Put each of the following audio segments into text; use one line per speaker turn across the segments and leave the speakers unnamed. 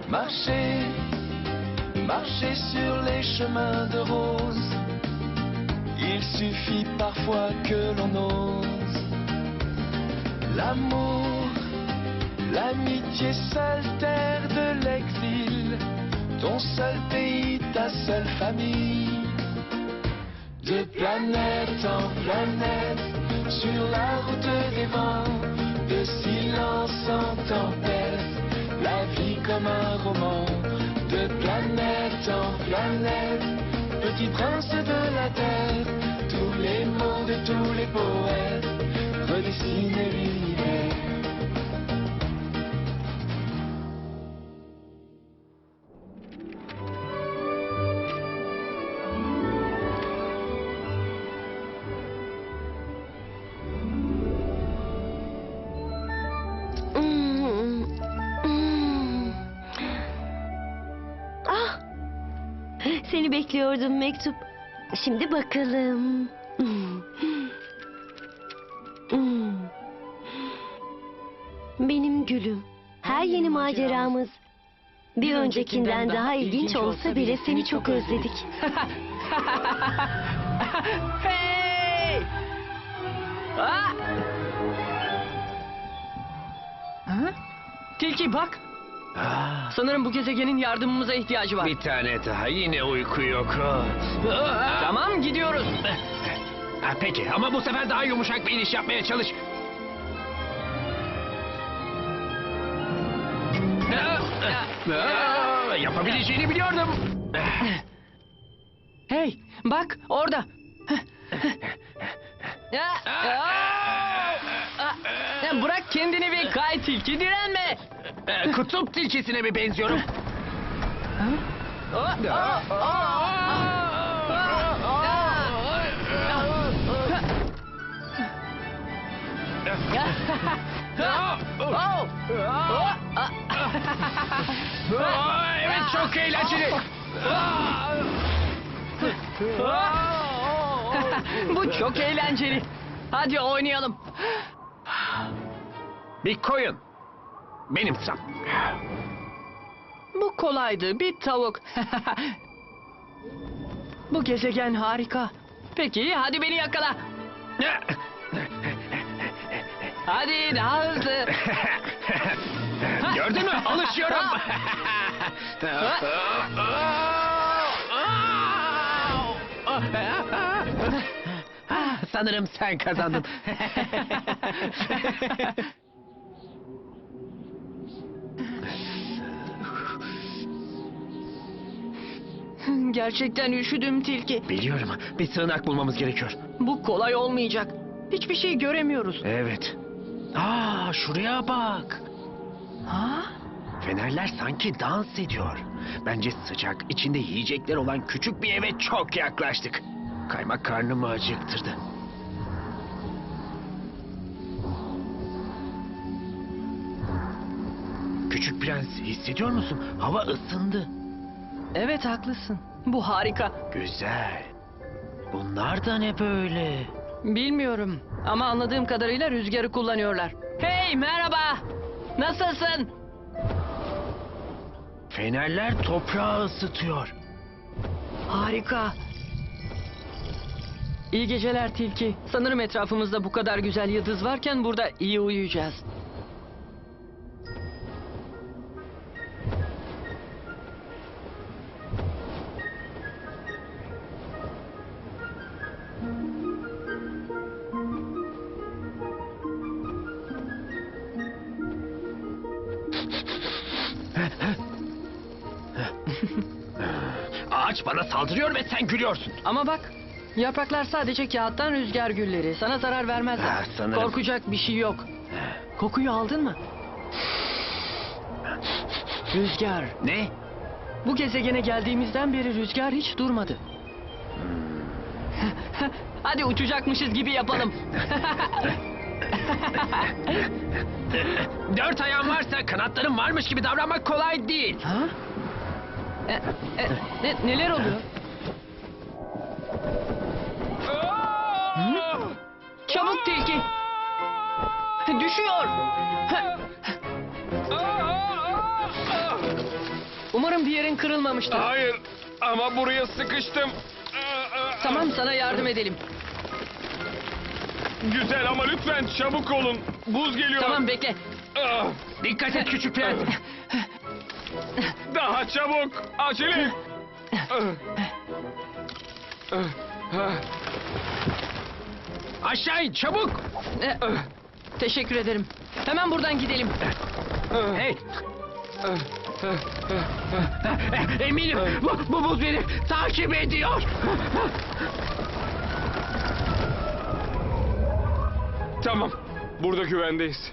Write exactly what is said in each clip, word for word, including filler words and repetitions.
Marcher, marcher sur les chemins de rose. Il suffit parfois que l'on ose. L'amour, l'amitié, seule terre de l'exil. Ton seul pays, ta seule famille. De planète en planète, sur la route des vents, de silence en tempête, la vie comme un roman. De planète en planète, petit prince de la terre, tous les mots de tous les poètes redessinent l'univers.
Seni bekliyordum mektup. Şimdi bakalım. Benim gülüm. Her yeni maceramız bir öncekinden daha ilginç olsa bile seni çok özledik.
Hey! Ah! Ha? Tilki bak.
Ah,
Sanırım bu gezegenin yardımımıza ihtiyacı var.
bir tane daha, yine uyku yok. Ah!
Tamam, gidiyoruz.
Ha, peki ama bu sefer daha yumuşak bir iniş yapmaya çalış. Ah, ah, yapabileceğini biliyordum.
Hey, bak orada. Bırak kendini bir kay tilki, direnme.
Ee, Kutup tilkisine mi benziyorum? Evet, çok eğlenceli.
Bu çok eğlenceli. Hadi oynayalım.
Bir koyun. Benim sıram.
Bu kolaydı, bir tavuk. Bu gezegen harika. Peki, hadi beni yakala. Hadi daha hızlı.
Gördün mü? Alışıyorum. Sanırım sen kazandın.
Gerçekten üşüdüm tilki.
Biliyorum. Bir sığınak bulmamız gerekiyor.
Bu kolay olmayacak. Hiçbir şey göremiyoruz.
Evet. Aa, şuraya bak.
Ha?
Fenerler sanki dans ediyor. Bence sıcak, içinde yiyecekler olan küçük bir eve çok yaklaştık. Kaymak karnımı acıktırdı. Küçük prens, hissediyor musun? Hava ısındı.
Evet, haklısın. Bu harika.
Güzel. Bunlar da ne böyle?
Bilmiyorum ama anladığım kadarıyla rüzgarı kullanıyorlar. Hey, merhaba. Nasılsın?
Fenerler toprağı ısıtıyor.
Harika. İyi geceler tilki. Sanırım etrafımızda bu kadar güzel yıldız varken burada iyi uyuyacağız.
Ağaç bana saldırıyor ve sen gülüyorsun.
Ama bak, yapraklar sadece kağıttan, rüzgar gülleri. Sana zarar vermezler.
Ha, sanırım.
Korkacak bir şey yok. Kokuyu aldın mı? Rüzgar.
Ne?
Bu gezegene geldiğimizden beri rüzgar hiç durmadı. Hadi uçacakmışız gibi yapalım.
Dört ayağın varsa kanatların varmış gibi davranmak kolay değil.
Ha? E, e, ne, neler oluyor? Hı? Çabuk tilki. Düşüyor. Umarım bir yerin kırılmamıştır.
Hayır ama buraya sıkıştım.
Tamam, sana yardım edelim.
Güzel ama lütfen çabuk olun. Buz geliyor.
Tamam, bekle.
Ah,
Dikkat et küçük prens.
Daha çabuk. Acele. Ah. Ah, ah.
Aşağı in çabuk.
Ee, Teşekkür ederim. Hemen buradan gidelim.
Hey. Eminim bu, bu buz beni takip ediyor.
Tamam. Burada güvendeyiz.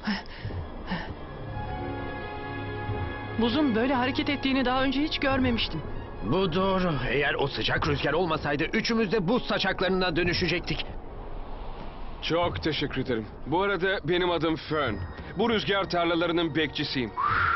Buzun böyle hareket ettiğini daha önce hiç görmemiştim.
Bu doğru. Eğer o sıcak rüzgar olmasaydı üçümüz de buz saçaklarına dönüşecektik.
Çok teşekkür ederim. Bu arada benim adım Fern. Bu rüzgar tarlalarının bekçisiyim.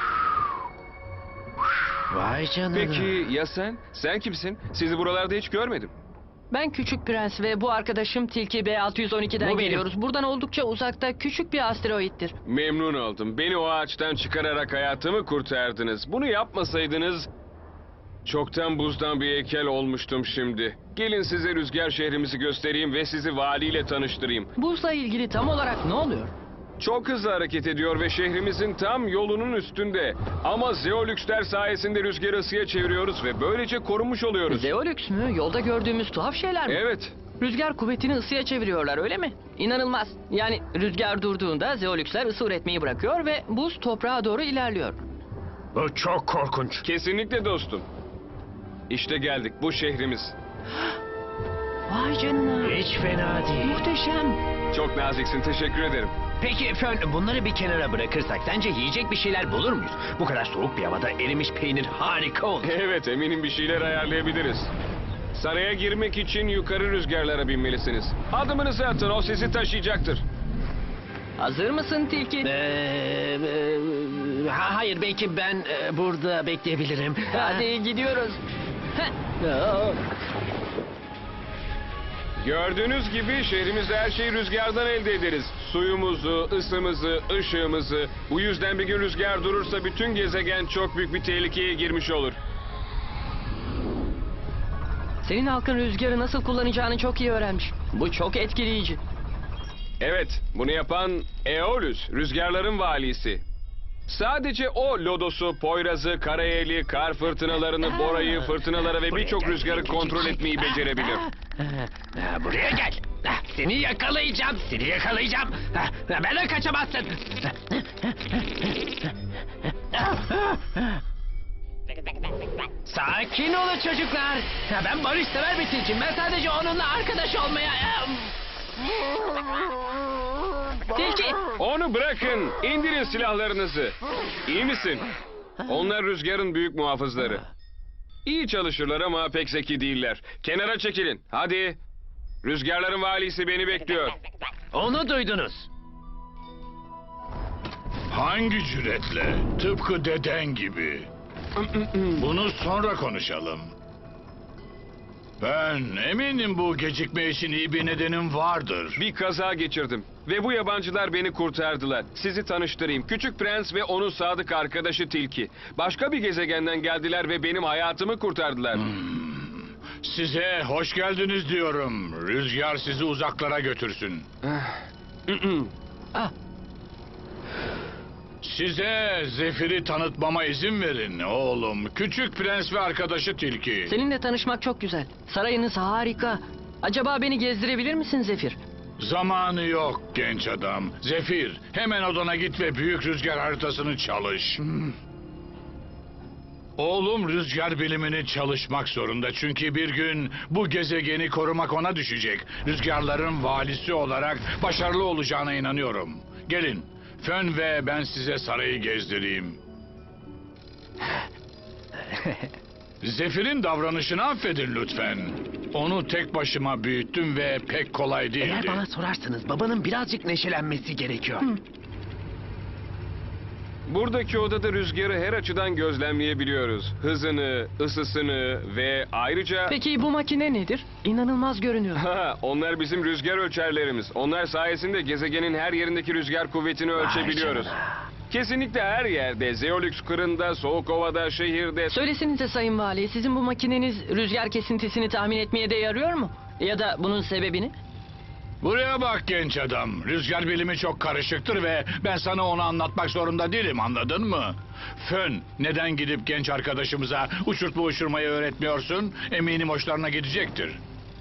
Vay canına.
Peki ya sen? Sen kimsin? Sizi buralarda hiç görmedim.
Ben Küçük Prens ve bu arkadaşım Tilki B altı yüz on iki'den
Bu benim.
geliyoruz. Buradan oldukça uzakta küçük bir asteroittir.
Memnun oldum. Beni o ağaçtan çıkararak hayatımı kurtardınız. Bunu yapmasaydınız çoktan buzdan bir heykel olmuştum şimdi. Gelin size rüzgar şehrimizi göstereyim ve sizi valiyle tanıştırayım.
Buzla ilgili tam olarak ne oluyor?
Çok hızlı hareket ediyor ve şehrimizin tam yolunun üstünde. Ama zeolüksler sayesinde rüzgarı ısıya çeviriyoruz ve böylece korunmuş oluyoruz.
Zeolüks mü? Yolda gördüğümüz tuhaf şeyler mi?
Evet.
Rüzgar kuvvetini ısıya çeviriyorlar, öyle mi? İnanılmaz. Yani rüzgar durduğunda zeolüksler ısı üretmeyi bırakıyor ve buz toprağa doğru ilerliyor.
Bu çok korkunç.
Kesinlikle dostum. İşte geldik. Bu şehrimiz.
Vay canına.
Hiç fena değil.
Muhteşem.
Çok naziksin. Teşekkür ederim.
Peki Fern, bunları bir kenara bırakırsak sence yiyecek bir şeyler bulur muyuz? Bu kadar soğuk bir havada erimiş peynir harika olur.
Evet, eminim bir şeyler ayarlayabiliriz. Saraya girmek için yukarı rüzgarlara binmelisiniz. Adımınızı atın, o sizi taşıyacaktır.
Hazır mısın Tilki?
Ee, e, ha, hayır, belki ben e, burada bekleyebilirim.
Hadi gidiyoruz. Heh. Aa.
Gördüğünüz gibi şehrimizde her şeyi rüzgardan elde ederiz. Suyumuzu, ısımızı, ışığımızı. Bu yüzden bir gün rüzgar durursa bütün gezegen çok büyük bir tehlikeye girmiş olur.
Senin halkın rüzgarı nasıl kullanacağını çok iyi öğrenmiş. Bu çok etkileyici.
Evet, bunu yapan Eolus, rüzgarların valisi. Sadece o lodosu, poyrazı, karayeli, kar fırtınalarını, borayı, fırtınaları ve birçok rüzgarı kontrol etmeyi becerebilir.
Ha, buraya gel. Ha, seni yakalayacağım, seni yakalayacağım. Ha, benden kaçamazsın. Sakin olun çocuklar. Ha, ben barışsever bir tilkiyim. Ben sadece onunla arkadaş olmaya...
Tilki!
Onu bırakın, indirin silahlarınızı. İyi misin? Onlar rüzgarın büyük muhafızları. İyi çalışırlar ama pek zeki değiller. Kenara çekilin, hadi. Rüzgarların valisi beni bekliyor.
Onu duydunuz.
Hangi cüretle? Tıpkı deden gibi. Bunu sonra konuşalım. Ben eminim bu gecikme için iyi bir nedenim vardır.
Bir kaza geçirdim ve bu yabancılar beni kurtardılar. Sizi tanıştırayım. Küçük Prens ve onun sadık arkadaşı Tilki. Başka bir gezegenden geldiler ve benim hayatımı kurtardılar.
Size hoş geldiniz diyorum. Rüzgar sizi uzaklara götürsün.
Ah,
Size Zefir'i tanıtmama izin verin oğlum. Küçük Prens ve arkadaşı Tilki.
seninle tanışmak çok güzel. Sarayınız harika. Acaba beni gezdirebilir misin Zefir?
Zamanı yok genç adam. Zefir, hemen odana git ve büyük rüzgar haritasını çalış. Oğlum rüzgar bilimini çalışmak zorunda. Çünkü bir gün bu gezegeni korumak ona düşecek. Rüzgarların valisi olarak başarılı olacağına inanıyorum. Gelin, Fön ve ben size sarayı gezdireyim. Zefir'in davranışını affedin lütfen. Onu tek başıma büyüttüm ve pek kolay değildi.
Eğer bana sorarsanız babanın birazcık neşelenmesi gerekiyor.
Buradaki odada rüzgarı her açıdan gözlemleyebiliyoruz. Hızını, ısısını ve ayrıca...
Peki bu makine nedir? İnanılmaz görünüyor.
Ha, onlar bizim rüzgar ölçerlerimiz. Onlar sayesinde gezegenin her yerindeki rüzgar kuvvetini ölçebiliyoruz.
Vay canına.
Kesinlikle her yerde, Zeolux kırında, Soğukova'da, şehirde...
Söylesinize Sayın Vali, sizin bu makineniz rüzgar kesintisini tahmin etmeye de yarıyor mu? Ya da bunun sebebini?
Buraya bak genç adam. Rüzgar bilimi çok karışıktır ve ben sana onu anlatmak zorunda değilim, anladın mı? Fön, neden gidip genç arkadaşımıza uçurtma uçurmayı öğretmiyorsun? Eminim hoşlarına gidecektir.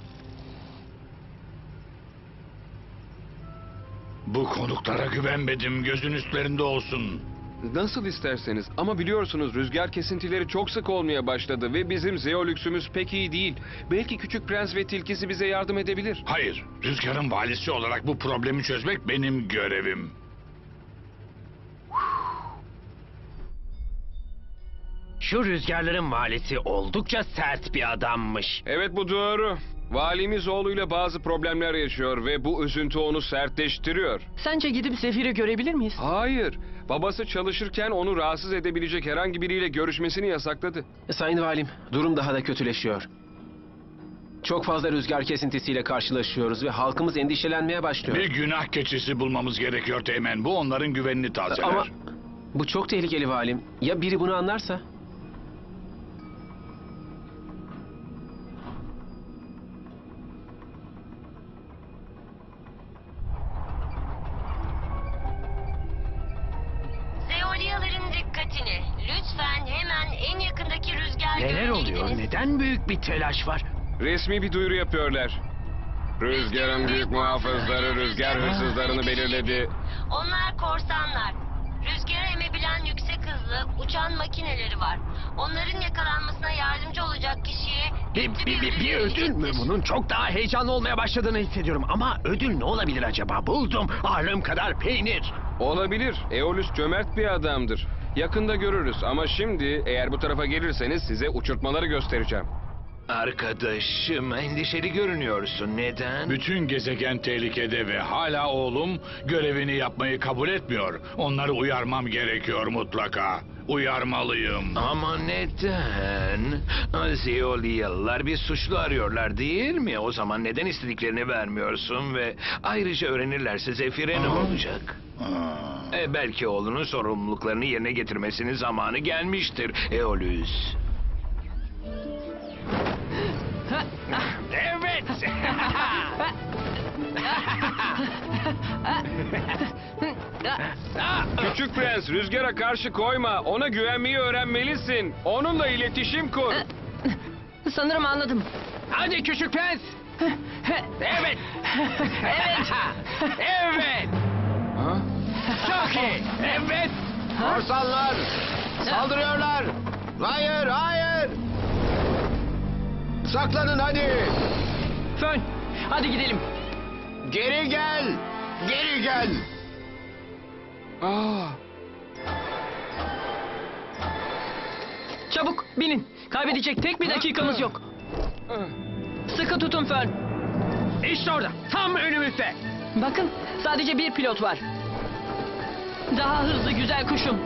Bu konuklara güvenmedim, gözün üstlerinde olsun.
Nasıl isterseniz ama biliyorsunuz rüzgar kesintileri çok sık olmaya başladı ve bizim Zeolux'ümüz pek iyi değil. Belki Küçük Prens ve Tilkisi bize yardım edebilir.
Hayır, Rüzgar'ın valisi olarak bu problemi çözmek benim görevim.
Şu rüzgarların valisi oldukça sert bir adammış.
Evet, bu doğru. Valimiz oğluyla bazı problemler yaşıyor ve bu üzüntü onu sertleştiriyor.
Sence gidip Zefir'i görebilir miyiz?
Hayır, babası çalışırken onu rahatsız edebilecek herhangi biriyle görüşmesini yasakladı.
Sayın Valim, durum daha da kötüleşiyor. Çok fazla rüzgar kesintisiyle karşılaşıyoruz ve halkımız endişelenmeye başlıyor.
Bir günah keçisi bulmamız gerekiyor Teğmen. Bu onların güvenini tazeler.
Ama bu çok tehlikeli Valim. Ya biri bunu anlarsa?
Zeolyaların dikkatini. Lütfen hemen en yakındaki rüzgar
Neler
gölüne
oluyor?
gidiniz.
Neden büyük bir telaş var?
Resmi bir duyuru yapıyorlar. Rüzgarın büyük muhafızları rüzgar hırsızlarını belirledi.
Onlar korsanlar. Rüzgarı emebilen yüksek hızlı uçan makineleri var. Onların yakalanmasına yardımcı olacak kişiye
Bir,
yüklü
bir, bir, bir ödül mü
verecektir.
bunun? Çok daha heyecanlı olmaya başladığını hissediyorum. Ama ödül ne olabilir acaba? Buldum. Ağırlığım kadar peynir.
Olabilir. Eolus cömert bir adamdır. Yakında görürüz ama şimdi eğer bu tarafa gelirseniz size uçurtmaları göstereceğim.
Arkadaşım, endişeli görünüyorsun. Neden?
Bütün gezegen tehlikede ve hala oğlum görevini yapmayı kabul etmiyor. Onları uyarmam gerekiyor mutlaka. Uyarmalıyım.
Ama neden? Zeolyalılar bir suçlu arıyorlar değil mi? O zaman neden istediklerini vermiyorsun ve ayrıca öğrenirlerse Zefir'e ne olacak?
Aa.
E, belki oğlunun sorumluluklarını yerine getirmesinin zamanı gelmiştir Eolus.
Evet.
Küçük Prens, rüzgara karşı koyma. Ona güvenmeyi öğrenmelisin. Onunla iletişim kur.
Sanırım anladım.
Hadi küçük prens. Evet. Evet. Evet.
Ha?
Çok iyi. Evet.
Korsanlar! Saldırıyorlar! Hayır, hayır! Saklanın hadi!
Fön, hadi gidelim.
Geri gel! Geri gel!
Aa,
Çabuk binin. Kaybedecek tek bir dakikamız yok. Sıkı tutun Fön.
İşte orada. Tam önümüzde.
Bakın sadece bir pilot var. Daha hızlı güzel kuşum.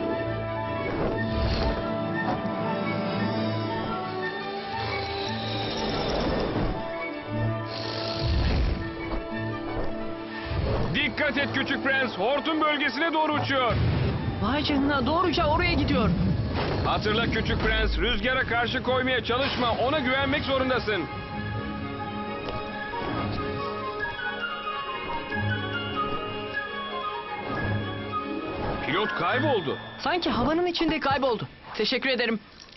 dikkat et Küçük Prens. Hortum bölgesine doğru uçuyor.
Vay canına doğruca oraya gidiyor.
Hatırla Küçük Prens, rüzgara karşı koymaya çalışma. Ona güvenmek zorundasın. Pilot kayboldu.
Sanki havanın içinde kayboldu. Teşekkür ederim.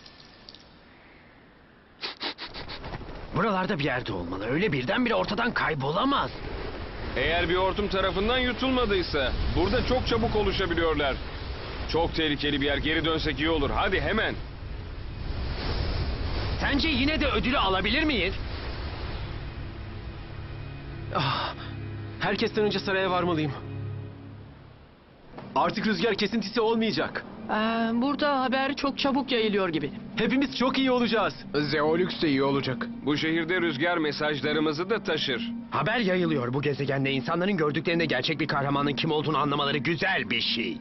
Buralarda bir yerde olmalı. Öyle birdenbire ortadan kaybolamaz.
Eğer bir hortum tarafından yutulmadıysa, burada çok çabuk oluşabiliyorlar. Çok tehlikeli bir yer. Geri dönsek iyi olur. Hadi hemen.
Sence yine de ödülü alabilir miyiz?
Ah, herkesten önce saraya varmalıyım. Artık rüzgar kesintisi olmayacak.
Ee, burada haber çok çabuk yayılıyor gibi.
Hepimiz çok iyi olacağız. Zeolux de iyi olacak.
Bu şehirde rüzgar mesajlarımızı da taşır.
Haber yayılıyor bu gezegende. İnsanların gördüklerinde gerçek bir kahramanın kim olduğunu anlamaları güzel bir şey.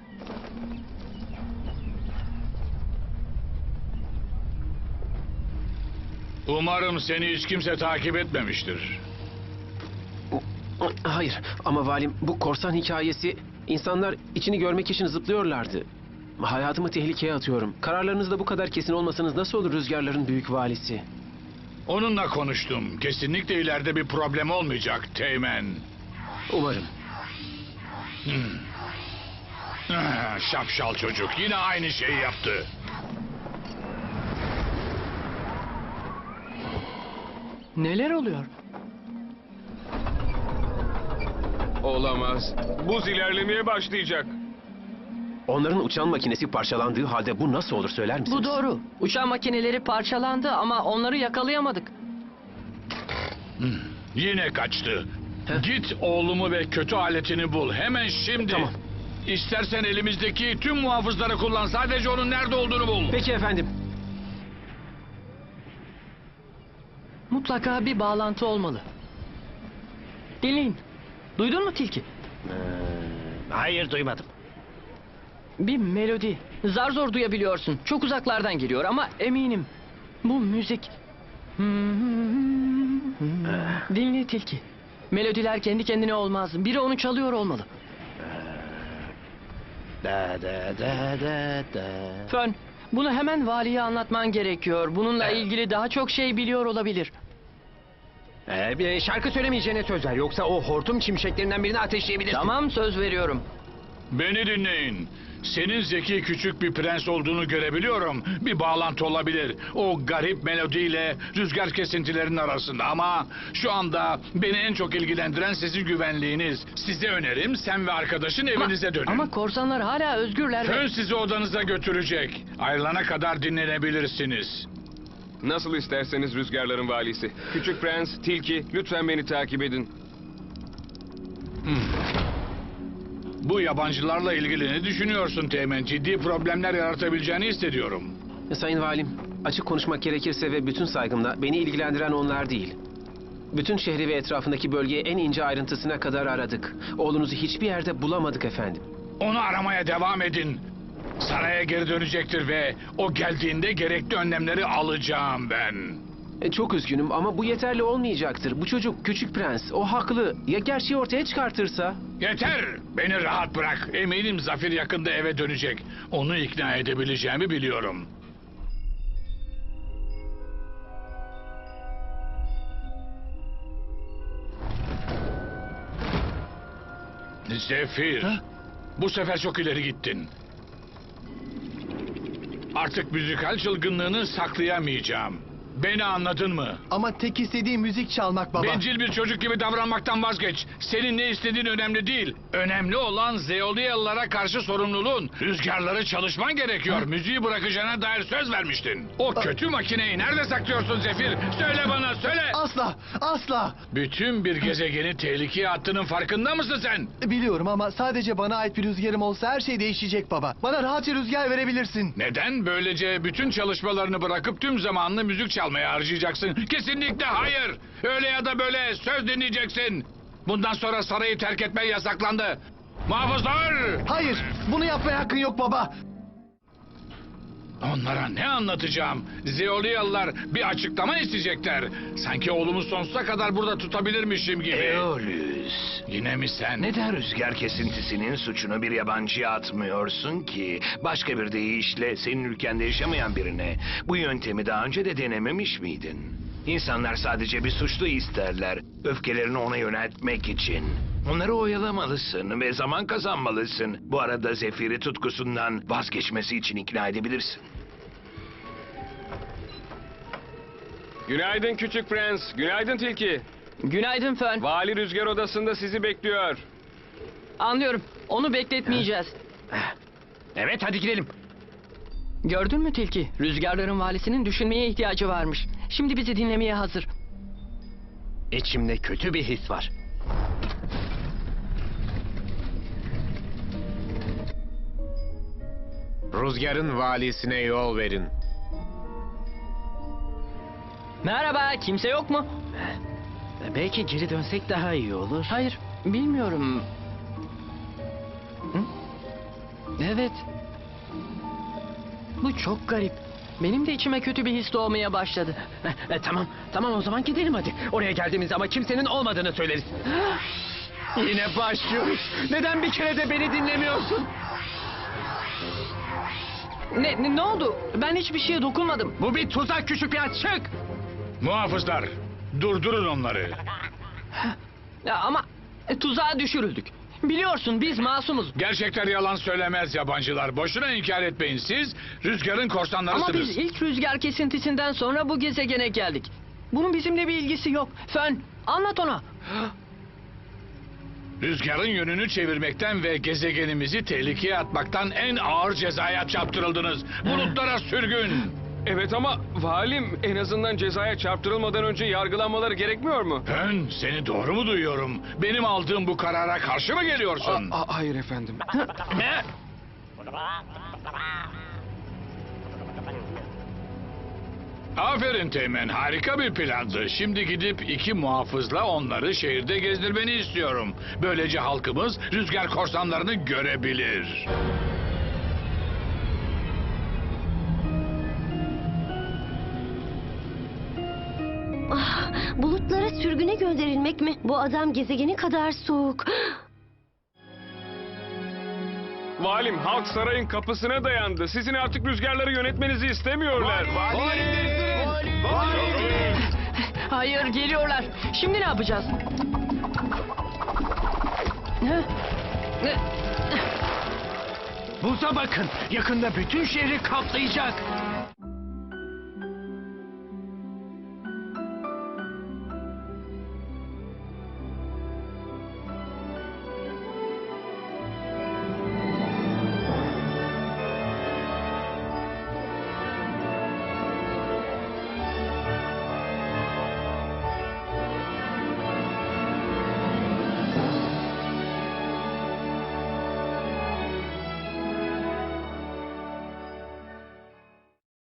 Umarım seni hiç kimse takip etmemiştir.
Hayır ama valim bu korsan hikayesi İnsanlar içini görmek için zıplıyorlardı. Hayatımı tehlikeye atıyorum. Kararlarınızda bu kadar kesin olmasanız nasıl olur rüzgarların büyük valisi?
Onunla konuştum. Kesinlikle ileride bir problem olmayacak Teğmen.
Umarım.
Hmm. Ah, şapşal çocuk yine aynı şeyi yaptı.
Neler oluyor?
Olamaz. Buz ilerlemeye başlayacak.
Onların uçan makinesi parçalandığı halde bu nasıl olur söyler misiniz?
Bu doğru. Uçağın makineleri parçalandı ama onları yakalayamadık.
Hmm. Yine kaçtı. Git oğlumu ve kötü aletini bul. Hemen şimdi.
Tamam.
İstersen elimizdeki tüm muhafızları kullan. Sadece onun nerede olduğunu bul.
Peki efendim.
Mutlaka bir bağlantı olmalı. Dinleyin. Duydun mu tilki?
Hayır duymadım.
Bir melodi. Zar zor duyabiliyorsun. Çok uzaklardan geliyor ama eminim. Bu müzik. Dinle tilki. Melodiler kendi kendine olmaz. Biri onu çalıyor olmalı.
Da da da da da.
Fön, bunu hemen valiye anlatman gerekiyor. Bununla ilgili daha çok şey biliyor olabilir.
Ee, bir şarkı söylemeyeceğine söz ver. Yoksa o hortum çimşeklerinden birini ateşleyebilirsin.
Tamam, söz veriyorum.
Beni dinleyin. Senin zeki küçük bir prens olduğunu görebiliyorum. Bir bağlantı olabilir. O garip melodiyle rüzgar kesintilerinin arasında. Ama şu anda beni en çok ilgilendiren sizin güvenliğiniz. Size önerim sen ve arkadaşın evinize dönün.
Ama korsanlar hala özgürler. ve-
Fön sizi odanıza götürecek. Ayrılana kadar dinlenebilirsiniz.
Nasıl isterseniz rüzgarların valisi. Küçük prens, tilki, lütfen beni takip edin.
Bu yabancılarla ilgili ne düşünüyorsun Teğmen? Ciddi problemler yaratabileceğini hissediyorum.
Sayın Valim, açık konuşmak gerekirse ve bütün saygımla beni ilgilendiren onlar değil. Bütün şehri ve etrafındaki bölgeyi en ince ayrıntısına kadar aradık. Oğlunuzu hiçbir yerde bulamadık efendim.
Onu aramaya devam edin. Saraya geri dönecektir ve o geldiğinde gerekli önlemleri alacağım ben.
E, çok üzgünüm ama bu yeterli olmayacaktır. Bu çocuk küçük prens. O haklı. Ya gerçeği ortaya çıkartırsa?
Yeter! Beni rahat bırak. Eminim Zafir yakında eve dönecek. Onu ikna edebileceğimi biliyorum. Zefir, bu sefer çok ileri gittin. Artık müzikal çılgınlığını saklayamayacağım. Beni anladın mı?
Ama tek istediğim müzik çalmak baba.
Bencil bir çocuk gibi davranmaktan vazgeç. Senin ne istediğin önemli değil. Önemli olan Zeolyalılara karşı sorumluluğun. Rüzgarları çalışman gerekiyor.
Ha?
Müziği bırakacağına dair söz vermiştin. O kötü makineyi nerede saklıyorsun Zefir? Söyle bana, söyle.
Asla, asla.
Bütün bir gezegeni tehlikeye attığının farkında mısın sen?
Biliyorum ama sadece bana ait bir rüzgarım olsa her şey değişecek baba. Bana rahatça rüzgar verebilirsin.
Neden? Böylece bütün çalışmalarını bırakıp tüm zamanını müzik çalmaya harcayacaksın. Kesinlikle hayır. Öyle ya da böyle söz dinleyeceksin. Bundan sonra sarayı terk etmen yasaklandı. Muhafızlar!
Hayır, bunu yapmaya hakkın yok baba.
Onlara ne anlatacağım? Zeolyalılar bir açıklama isteyecekler. Sanki oğlumu sonsuza kadar burada tutabilirmişim gibi.
Eolus.
Yine mi sen?
Neden rüzgar kesintisinin suçunu bir yabancıya atmıyorsun ki? Başka bir deyişle senin ülkende yaşamayan birine bu yöntemi daha önce de denememiş miydin? İnsanlar sadece bir suçlu isterler. Öfkelerini ona yöneltmek için. Onları oyalamalısın ve zaman kazanmalısın. Bu arada Zefir'i tutkusundan vazgeçmesi için ikna edebilirsin.
Günaydın küçük prens, günaydın tilki.
Günaydın Fön.
Vali rüzgar odasında sizi bekliyor.
Anlıyorum. Onu bekletmeyeceğiz.
Evet hadi gidelim.
Gördün mü tilki? Rüzgarların valisinin düşünmeye ihtiyacı varmış. Şimdi bizi dinlemeye hazır.
İçimde kötü bir his var. Rüzgarın valisine yol verin.
Merhaba, kimse yok mu?
Belki geri dönsek daha iyi olur.
Hayır, bilmiyorum. Hı? Evet. Bu çok garip. Benim de içime kötü bir his doğmaya başladı.
E, tamam, tamam o zaman gidelim hadi. Oraya geldiğimizde ama kimsenin olmadığını söyleriz. Yine başlıyoruz. Neden bir kere de beni dinlemiyorsun?
Ne, ne, ne oldu? Ben hiçbir şeye dokunmadım.
Bu bir tuzak küçük prens, çık!
Muhafızlar, durdurun onları.
Ya ama e, tuzağa düşürüldük. Biliyorsun biz masumuz.
Gerçekler yalan söylemez yabancılar. Boşuna inkar etmeyin. Siz rüzgarın
Ama
korsanlarısınız.
biz ilk rüzgar kesintisinden sonra bu gezegene geldik. Bunun bizimle bir ilgisi yok. Fön, anlat ona.
Rüzgarın yönünü çevirmekten ve gezegenimizi tehlikeye atmaktan en ağır cezaya çarptırıldınız. Bulutlara sürgün.
Evet ama valim en azından cezaya çarptırılmadan önce yargılanmaları gerekmiyor mu?
Ben seni doğru mu duyuyorum? Benim aldığım bu karara karşı mı geliyorsun?
hayır efendim.
Ne? Aferin Teğmen, harika bir plandı. Şimdi gidip iki muhafızla onları şehirde gezdirmeni istiyorum. Böylece halkımız rüzgar korsanlarını görebilir.
Ah, bulutlara sürgüne gönderilmek mi? Bu adam gezegeni kadar soğuk.
Valim halk sarayın kapısına dayandı. Sizin artık rüzgarları yönetmenizi istemiyorlar.
Hayır, geliyorlar. Şimdi ne yapacağız?
Buza bakın, yakında bütün şehri kaplayacak.